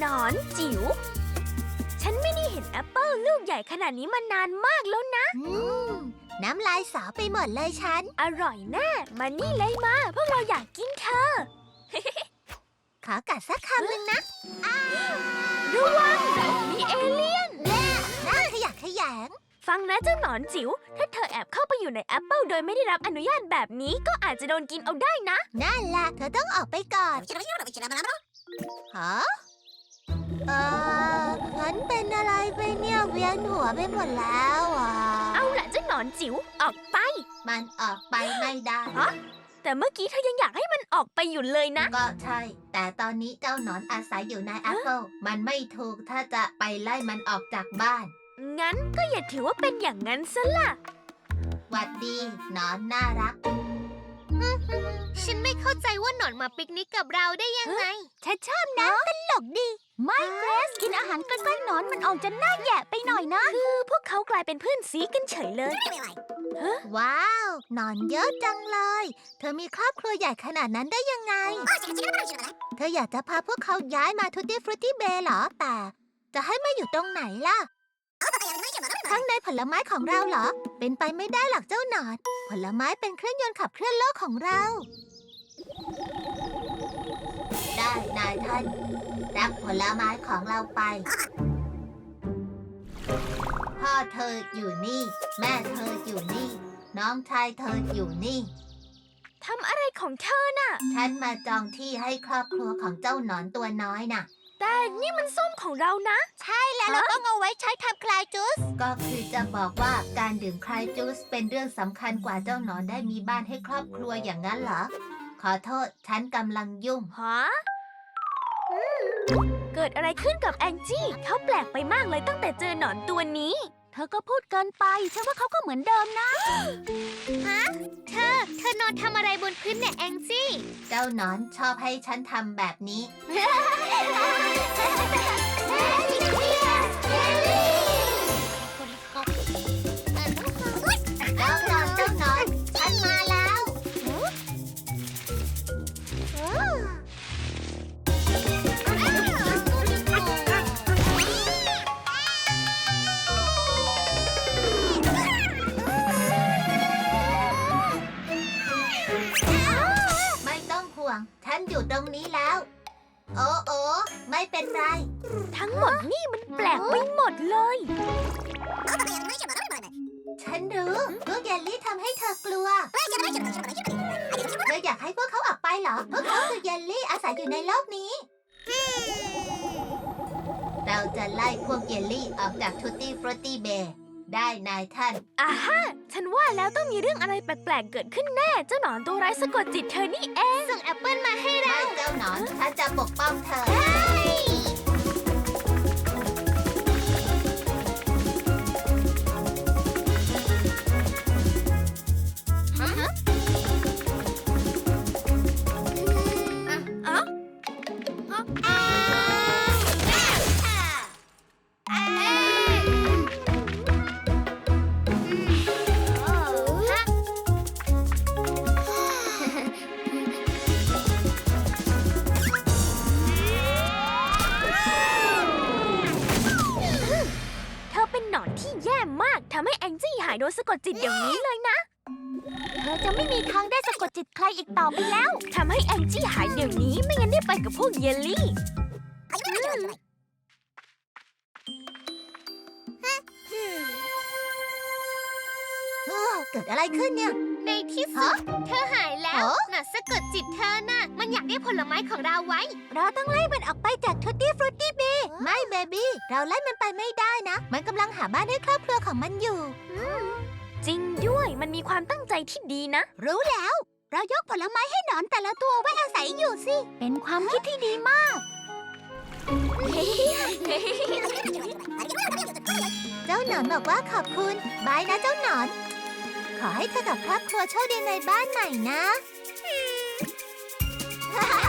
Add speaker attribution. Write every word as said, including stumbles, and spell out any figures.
Speaker 1: อนจิ๋วฉันไม่ได้เห็นแอปเปิลลูกใหญ่ขนาดนี้มานานมากแล้วนะ
Speaker 2: อืมน้ำลายสาวไปหมดเลยฉัน
Speaker 1: อร่อยแน่มานี่เลยมาพวกเราอยากกินเธอ
Speaker 2: ขอกัดสักคำหนึ่งนะ
Speaker 1: ระวังมีเอเลี่ยน
Speaker 2: แน่น่าขยะแขยง
Speaker 1: ฟังนะเจ้าหนอนจิ๋วถ้าเธอแอบเข้าไปอยู่ในแอปเปิลโดยไม่ได้รับอนุญาตแบบนี้ก็อาจจะโดนกินเอาได้นะ
Speaker 2: นั่นแหละเธอต้องออกไปก่อนฮะเออฉันเป็นอะไรไปเนี่ยเวียนหัวไปหมดแล้วอ่ะ
Speaker 1: เอาล่ะเจ้าหนอนจิ๋วออกไป
Speaker 2: มันออกไปไม่ได้
Speaker 1: ฮะแต่เมื่อกี้เธอยังอยากให้มันออกไปอยู่เลยนะ
Speaker 2: ก็ใช่แต่ตอนนี้เจ้าหนอนอาศัยอยู่ในแอปเปิลมันไม่ถูกถ้าจะไปไล่มันออกจากบ้าน
Speaker 1: งั้นก็อย่าถือว่าเป็นอย่างนั้นซะล่ะ
Speaker 2: หวัดดีหนอนน่ารัก
Speaker 3: ฉันไม่เข้าใจว่าหนอนมาปิกนิกกับเราได้ยังไง
Speaker 2: ฉันชอบนะตลกดีไม่เกรซกินอาหารใกล้ๆหนอนมันออกจะน่าแย่ไปหน่อยนะ
Speaker 1: คือพวกเขากลายเป็นเพื่อนซีกันเฉยเลย
Speaker 2: ว้าวหนอนเยอะจังเลยเธอมีครอบครัวใหญ่ขนาดนั้นได้ยังไงเธออยากจะพาพวกเขาย้ายมาทูตี้ฟรุตตี้เบย์เหรอแต่จะให้มาอยู่ตรงไหนล่ะข้างในผลไม้ของเราเหรอเป็นไปไม่ได้หรอกเจ้าหนอนผลไม้เป็นเครื่องยนต์ขับเคลื่อนโลกของเราได้นายท่านรับผลไม้ของเราไปพ่อเธออยู่นี่แม่เธออยู่นี่น้องชายเธออยู่นี่
Speaker 1: ทำอะไรของเธอน่ะ
Speaker 2: ฉันมาจองที่ให้ครอบครัวของเจ้าหนอนตัวน้อยน่ะ
Speaker 1: แต่นี่มันส้มของเรานะ
Speaker 2: ใช่แล้วเราต้องเอาไว้ใช้ทำคลายจูสก็คือจะบอกว่าการดื่มคลายจูสเป็นเรื่องสำคัญกว่าเจ้าหนอนได้มีบ้านให้ครอบครัวอย่างนั้นเหรอขอโทษฉันกำลังยุ่ง
Speaker 1: ฮะเกิดอะไรขึ้นกับแองจี้เขาแปลกไปมากเลยตั้งแต่เจอหนอนตัวนี้
Speaker 2: เธอก็พูดเกินไปฉันว่าเขาก็เหมือนเดิมนะ
Speaker 3: ฮะเธอเธอนอนทำอะไรบนพื้นเนี่ยแองจี้
Speaker 2: เจ้าหนอนชอบให้ฉันทำแบบนี้เจ้าหนอนเจ้าหนอนฉันมาแล้วฉันอยู่ตรงนี้แล้วโอ้โอ้ไม่เป็นไร
Speaker 1: ทั้งหมดนี่มันแปลกไปหมดเลย
Speaker 2: ฉันรู้พวกเยลลี่ทำให้เธอกลัวเธออยากให้พวกเขาออกไปเหรอพวกเขาคือเยลลี่อาศัยอยู่ในโลกนี้เราจะไล่พวกเยลลี่ออกจากทูตี้ฟรุตตี้เบย์ได้นายท่าน
Speaker 1: อ่าฮะฉันว่าแล้วต้องมีเรื่องอะไรแปลกๆเกิดขึ้นแน่เจ้าหนอนตัวร้ายสะกดจิตเธอนี่เอง
Speaker 3: ส่งแอปเปิลมาให้เรา
Speaker 2: เจ้าหนอนฉันจะปกป้องเธอ
Speaker 1: ทำให้แองจี้หายโดนสะกดจิตอย่างนี้เลยนะ
Speaker 2: เธอจะไม่มีทางได้สะกดจิตใครอีกต่อไปแล้ว
Speaker 1: ทำให้แองจี้หายเดี๋ยวนี้ไม่งั้นได้ไปกับพวกเยลลี่
Speaker 2: เกิดอะไรขึ้นเนี่ย
Speaker 3: ในที่สุดเธอหายแล้วน่ะสะกดจิตเธอน่ะมันอยากได้ผลไม้ของเราไว้
Speaker 2: เราต้องไล่มันออกไปจากทูตี้ฟรุตตี้เบย์ไม่เบบี้เราไล่มันไปไม่ได้นะมันกำลังหาบ้านให้ครอบครัวของมันอยู่
Speaker 1: จริงด้วยมันมีความตั้งใจที่ดีนะ
Speaker 2: รู้แล้วเรายกผลไม้ให้หนอนแต่ละตัวไว้อาศัยอยู่สิเป็นความคิดที่ดีมากเจ้าหนอนบอกว่าขอบคุณบายนะเจ้าหนอนขอให้เธอกับครอบครัวโชคดีในบ้านใหม่นะ